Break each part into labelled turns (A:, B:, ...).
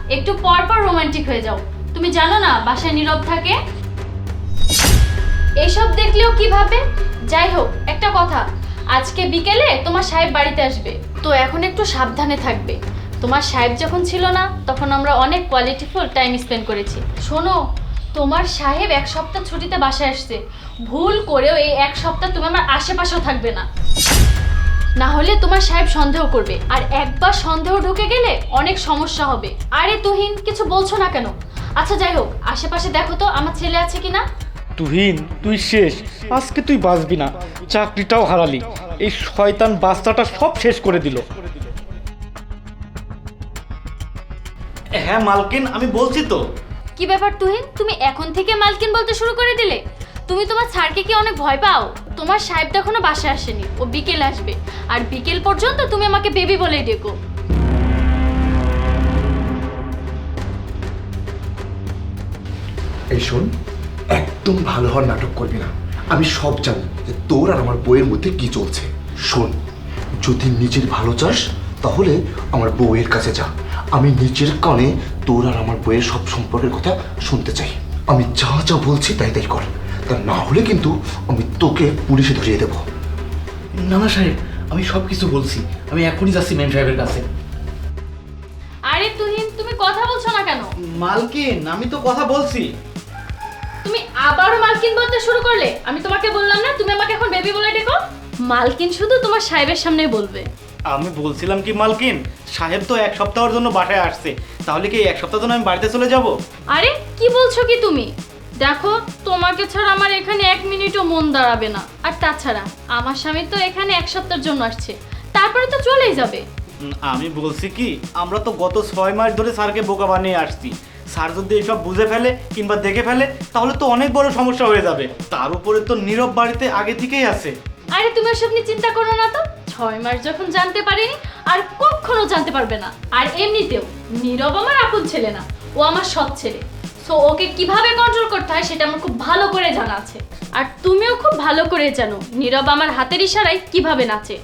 A: একটু পর পর রোমান্টিক হয়ে যাও। তুমি জানো না বাসায় নীরব থাকে? এইসব দেখলেও কি ভাবে? যাই হোক, একটা কথা, আজকে বিকেলে তোমার সাহেব বাড়িতে আসবে, তো এখন একটু সাবধানে থাকবে। তোমার সাহেব যখন ছিল না তখন আমরা অনেক কোয়ালিটিফুল টাইম স্পেন্ড করেছি। শোনো, তোমার সাহেব 1 সপ্তাহ ছুটিতে বাসায় আসছে, ভুল করেও এই 1 সপ্তাহ তুমি আমার আশেপাশেও থাকবে না, না হলে তোমার সাহেব সন্দেহ করবে, আর একবার সন্দেহ ঢুকে গেলে অনেক সমস্যা হবে। আরে তুহিন, কিছু বলছো না কেন? আচ্ছা যাই হোক, আশেপাশে দেখো তো আমার ছেলে আছে কিনা।
B: তুহিন, তুই শেষ, আজকে তুই বাঁচবি না, চাকরিটাও হারালি, এই শয়তান বাচ্চাটা সব শেষ করে দিল।
C: হ্যাঁ মালকিন, আমি বলছি তো।
A: কি ব্যাপার তুহিন, তুমি এখন থেকে মালকিন বলতে শুরু করে দিলে? তুমি তোমার স্যারকে কি অনেক ভয় পাও? তোমার সাহেব তো এখনো বাসায় আসেনি, ও বিকেল আসবে, আর বিকেল পর্যন্ত তুমি আমাকে বেবি বলেই ডেকো।
D: এই শোন, একদম ভালো হওয়ার নাটক করবি না। আমি সব জানি যে তোর আর আমার বউয়ের মধ্যে কি চলছে। শোন, যদি নিজের ভালো চাস তাহলে আমার বউয়ের কাছে যা। আমি নিজের কানে তোর আর আমার বউয়ের সব সম্পর্কের কথা শুনতে চাই। আমি যা যা বলছি তাই তাই কর, তা না হলে কিন্তু আমি তোকে পুলিশে ধরিয়ে দেবো।
C: না না সাহেব, আমি সব কিছু বলছি, আমি এখনই যাচ্ছি ম্যাম সাহেবের কাছে।
A: আরে তুহিন, তুমি কথা বলছো না কেন?
C: মালকিন, আমি তো কথা বলছি।
A: তুমি আবারও মালকিন বলতে শুরু করলে। আমি তোমাকে বললাম না তুমি আমাকে এখন বেবি বলে ডেকো? মালকিন শুধু তোমার সাহেবের সামনেই বলবে।
C: আমি বলছিলাম কি মালকিন, সাহেব তো 1 সপ্তাহের জন্য বাসায় আসছে, তাহলে কি 1 সপ্তাহ জন্য আমি বাড়িতে চলে যাব?
A: আরে কি বলছো কি তুমি? দেখো, তোমাকে ছাড়া আমার এখানে 1 মিনিটও মন দাঁড়াবে না, আর তাছাড়া আমার স্বামী তো এখানে 1 সপ্তাহের জন্য আসছে, তারপরে তো চলেই যাবে।
C: আমি বলছি কি, আমরা তো গত 6 মাস ধরে স্যারকে বোকা বানিয়ে আসছি। স্যার যদি এসব বুঝে ফেলে কিংবা দেখে ফেলে তাহলে তো অনেক বড় সমস্যা হয়ে যাবে। তার উপরে তো নীরব বাড়িতে আগে থেকেই আছে।
A: আরে তুমি ওসব নিয়ে চিন্তা করো না তো, 6 মাস যখন জানতে পারিনি আর কখনো জানতে পারবে না। আর এমনিতেও নীরব আমার আপন ছেলে না, ও আমার সৎ ছেলে। সো ওকে কিভাবে কন্ট্রোল করতে হয় সেটা আমার খুব ভালো করে জানা আছে। আর তুমিও খুব ভালো করে জানো নীরব আমার হাতের ইশারায় কিভাবে নাচে।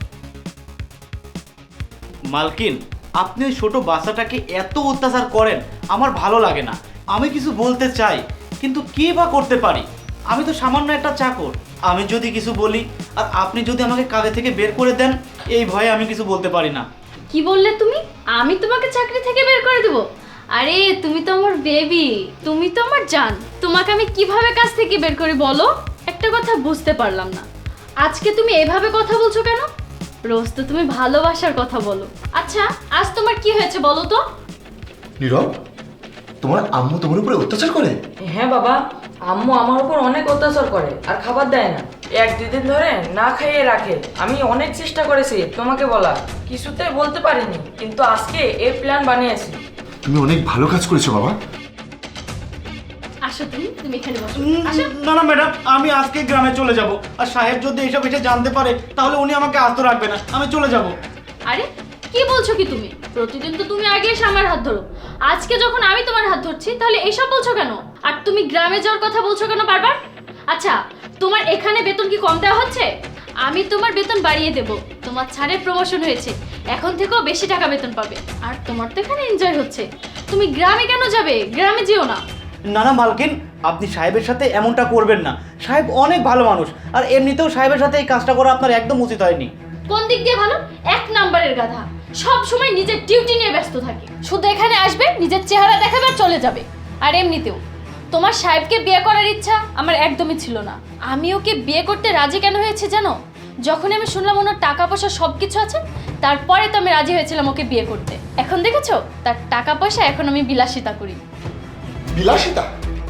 C: মালকিন, আপনি ওই ছোট বাচ্চাটাকে এত অত্যাচার করেন, আমার ভালো লাগে না। আমি কিছু বলতে চাই, কিন্তু কি বা করতে পারি? আমি তো সামান্য একটা চাকর। আমি যদি কিছু বলি আর আপনি যদি আমাকে কাজে থেকে বের করে দেন, এই ভয়ে আমি কিছু বলতে পারি না।
A: কি বললে তুমি? আমি তোমাকে চাকরি থেকে বের করে দেব? আরে তুমি তো আমার বেবি, তুমি তো আমার জান, তোমাকে আমি কিভাবে কাজ থেকে বের করে বলো? একটা কথা বুঝতে পারলাম না, আজকে তুমি এভাবে কথা বলছো কেন? রোজ তো তুমি ভালোবাসার কথা বলো। আচ্ছা, আজ তোমার কি হয়েছে বলো তো?
D: নীরব, তোমার আম্মু তোমার উপরে অত্যাচার করে?
E: হ্যাঁ বাবা, আম্মু আমার উপর অনেক অত্যাচার করে আর খাবার দেয় না। 1-2 দিন ধরে না খাইয়ে রাখে। আমি অনেক চেষ্টা করেছি তোমাকে বলা, কিছুতেই বলতে পারিনি, কিন্তু আজকে এই প্ল্যান বানিয়েছি।
D: তুমি অনেক ভালো কাজ করেছো বাবা।
A: আসো, তুমি এখানে বসো। আসো।
C: না না ম্যাডাম, আমি আজকে গ্রামে চলে যাব। আর সাহেব যদি এসব এসে জানতে পারে তাহলে উনি আমাকে আস্ত রাখবে না, আমি চলে যাব।
A: আরে কি বলছো কি তুমি? প্রতিদিন তো তুমি আগে এসে আমার হাত ধরো, আজকে যখন আমি তোমার হাত ধরছি তাহলে এসব বলছো কেন? আর তুমি গ্রামে যাওয়ার কথা বলছো কেন বারবার? আচ্ছা, তোমার এখানে বেতন কি কম দেওয়া হচ্ছে? আমি তোমার বেতন বাড়িয়ে দেব। তোমার ছাড়ের প্রমোশন হয়েছে, এখন থেকেও বেশি টাকা বেতন পাবে। আর তোমার তো এখানে এনজয় হচ্ছে, তুমি গ্রামে কেন যাবে? গ্রামে যেও না।
C: না না মালকিন, আপনি সাহেবের সাথে এমনটা করবেন না। সাহেব অনেক ভালো মানুষ, আর এমনিতেও সাহেবের সাথে এই কাজটা করা আপনার একদম উচিত হয়নি।
A: কোন দিক দিয়ে ভালো? 1 নাম্বারের গাধা, সব সময় নিজের ডিউটি নিয়ে ব্যস্ত থাকে, শুধু এখানে আসবে, নিজের চেহারা দেখাবে আর চলে যাবে। আর এমনিতেও তোমার সাহেবকে বিয়ে করার ইচ্ছা আমার একদমই ছিল না। আমি ওকে বিয়ে করতে রাজি কেন হয়েছে জানো? যখন আমি শুনলাম ওনার টাকা পয়সা সব কিছু আছে, তারপরে তো আমি রাজি হয়েছিলাম ওকে বিয়ে করতে। এখন দেখেছো তার টাকা পয়সা, এখন আমি বিলাসিতা করি।
D: বিলাসিতা?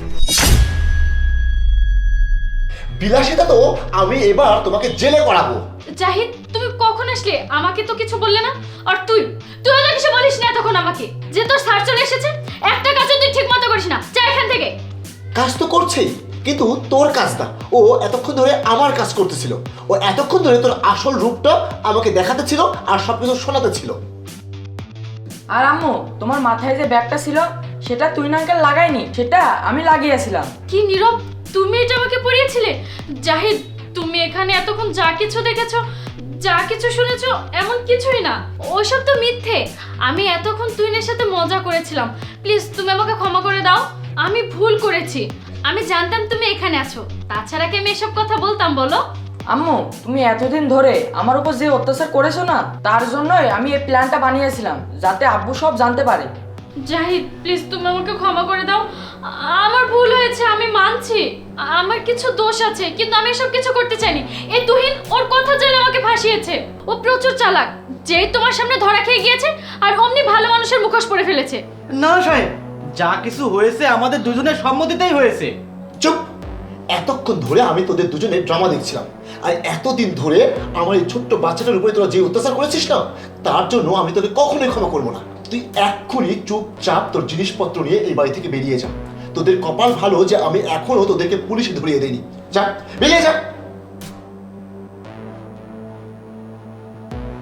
D: বিলাসিতা তো আমি এবার তোমাকে জেলে করাবো।
A: জাহিদ, তুমি কখন আসলে? আমাকে তো কিছু বললে না। আর তুই তো কিছু বলিস না তখন আমাকে, যে তোর স্যার চলে এসেছে। একটা কাজও তুই ঠিক মতো করিস না, যা এখান থেকে।
D: কাজ তো করছেই, কিন্তু তোর কাজ না। ও এতক্ষণ ধরে আমার কাজ করতেছিল, ও এতক্ষণ ধরে তোর আসল রূপটা আমাকে দেখাতে ছিল আর সবকিছু শোনাতে ছিল।
E: আর আম্মু, তোমার মাথায় যে ব্যাগটা ছিল সেটা তুই নাঙ্কেল লাগাইনি, সেটা আমি লাগিয়েছিলাম।
A: কি নীরব, তুমি এটা আমাকে পড়িয়েছিলে? জাহিদ, তুমি এখানে এতক্ষণ যা কিছু দেখেছো যা কিছু শুনেছো এমন কিছুই না, ওসব তো মিথ্যে। আমি এতক্ষণ তুহিনের সাথে মজা করেছিলাম। প্লিজ তুমি আমাকে ক্ষমা করে দাও, আমি ভুল করেছি। আমি জানতাম তুমি এখানে আছো, তাছাড়া কি আমি এসব কথা বলতাম বলো?
E: আম্মু, তুমি এতদিন ধরে আমার উপর যে অত্যাচার করেছো না, তার জন্যই আমি এই প্ল্যানটা বানিয়েছিলাম, যাতে আব্বু সব জানতে পারে।
A: জাহিদ প্লিজ তুমি আমাকে ক্ষমা করে দাও, আমার ভুল হয়েছে, আমি মানছি আমার কিছু দোষ আছে, কিন্তু আমি এসব কিছু করতে চাইনি। এই তুহিন ওর কথা জেনে আমাকে ফাঁসিয়েছে, ও প্রচুর চালাক, যেই তোমার সামনে ধরা খেয়ে গিয়েছে আর অমনি ভালো মানুষের মুখোশ পরে ফেলেছে।
C: না সাহেব, যা কিছু হয়েছে আমাদের দুজনের সম্মতিতেই হয়েছে।
D: চুপ! এতক্ষণ ধরে আমি তোদের দুজনের ড্রামা দেখছিলাম, আর এতদিন ধরে আমার এই ছোট্ট বাচ্চাটার উপরে তোরা যে অত্যাচার করেছিস না, তার জন্য আমি তোকে কখনোই ক্ষমা করবো না। তুই এক্ষুনি চুপচাপ তোর জিনিসপত্র নিয়ে এই বাড়ি থেকে বেরিয়ে যা। তোদের কপাল ভালো যে আমি এখনো তোদেরকে পুলিশে ধরিয়ে দেইনি। যা, বেরিয়ে যা।